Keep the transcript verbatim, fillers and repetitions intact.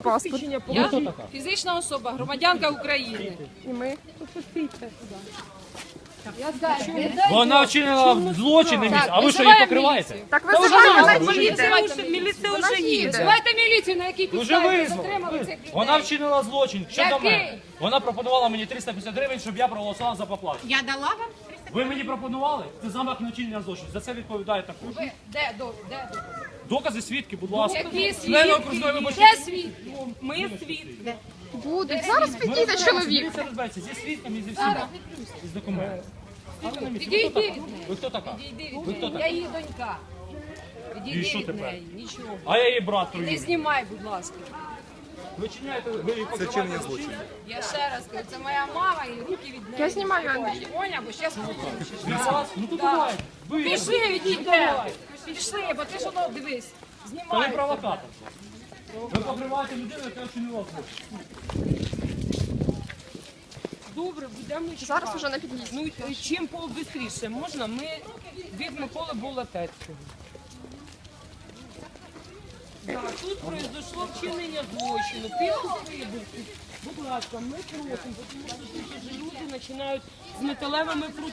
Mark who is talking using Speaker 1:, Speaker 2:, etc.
Speaker 1: паспорт.
Speaker 2: Я фізична особа, громадянка України.
Speaker 1: І ми.
Speaker 3: Вона вчинила злочин, не місць, а ви що її
Speaker 2: визиваємо
Speaker 3: покриваєте?
Speaker 2: міліцію.
Speaker 1: Так визивайте, так
Speaker 2: Міліція
Speaker 1: їде.
Speaker 2: вже-
Speaker 1: Міліція вже їде.
Speaker 2: Визивайте міліцію, на якій
Speaker 3: Вже
Speaker 2: підставі ви
Speaker 3: визнали.
Speaker 2: затримали цих людей.
Speaker 3: Вона вчинила злочин. Що до
Speaker 2: Який?
Speaker 3: мене? Вона пропонувала мені триста п'ятдесят гривень, щоб я проголосував за поплату.
Speaker 4: Я дала вам?
Speaker 3: Ви мені пропонували? Це замах на вчинення злочину. За це відповідає також.
Speaker 2: Ви- Де, до- де докази?
Speaker 3: Докази, свідки, будь ласка.
Speaker 2: Які
Speaker 3: Члени окружної
Speaker 2: свідки?
Speaker 3: виборчої
Speaker 2: Де свідки? Ми свідки.
Speaker 1: Будуть. Зараз підійде чоловік.
Speaker 3: Дивіться, розбереться зі свідками і зі всіма. Із документами. Стійте на місці.
Speaker 2: Підійди
Speaker 3: Ви хто
Speaker 2: від
Speaker 3: така?
Speaker 2: неї.
Speaker 3: Ви хто така?
Speaker 2: Підійди від
Speaker 3: Ви хто
Speaker 2: неї. Я
Speaker 3: така?
Speaker 2: її донька.
Speaker 3: І
Speaker 2: Підійди
Speaker 3: що
Speaker 2: від
Speaker 3: тепер?
Speaker 2: неї. Нічого.
Speaker 3: А я її брат
Speaker 2: Не
Speaker 3: торгівлі.
Speaker 2: знімай, будь ласка.
Speaker 3: Ви чиняєте, ви її
Speaker 5: Це чинення злочину.
Speaker 2: Я ще раз кажу, це моя мама і руки від неї.
Speaker 1: Я знімаю, Андрій.
Speaker 2: Поня, бо зараз
Speaker 3: Ну то давай. Ви
Speaker 2: Пішли, відійде. Пішли, бо ти ж воно, дивись.
Speaker 3: Та ви
Speaker 2: Знімай.
Speaker 3: провокатор. Ви покриваєте людину, яка вчинила злочин.
Speaker 6: Добре, будемо
Speaker 1: Зараз уже на під'їзді.
Speaker 6: Ну, чим побистріше можна, ми від Миколи Болотецького. Да, тут произошло вчинення злочину. Після виборців, будь ласка, ми просимо, тому що тут вже люди починають з металевими прутами.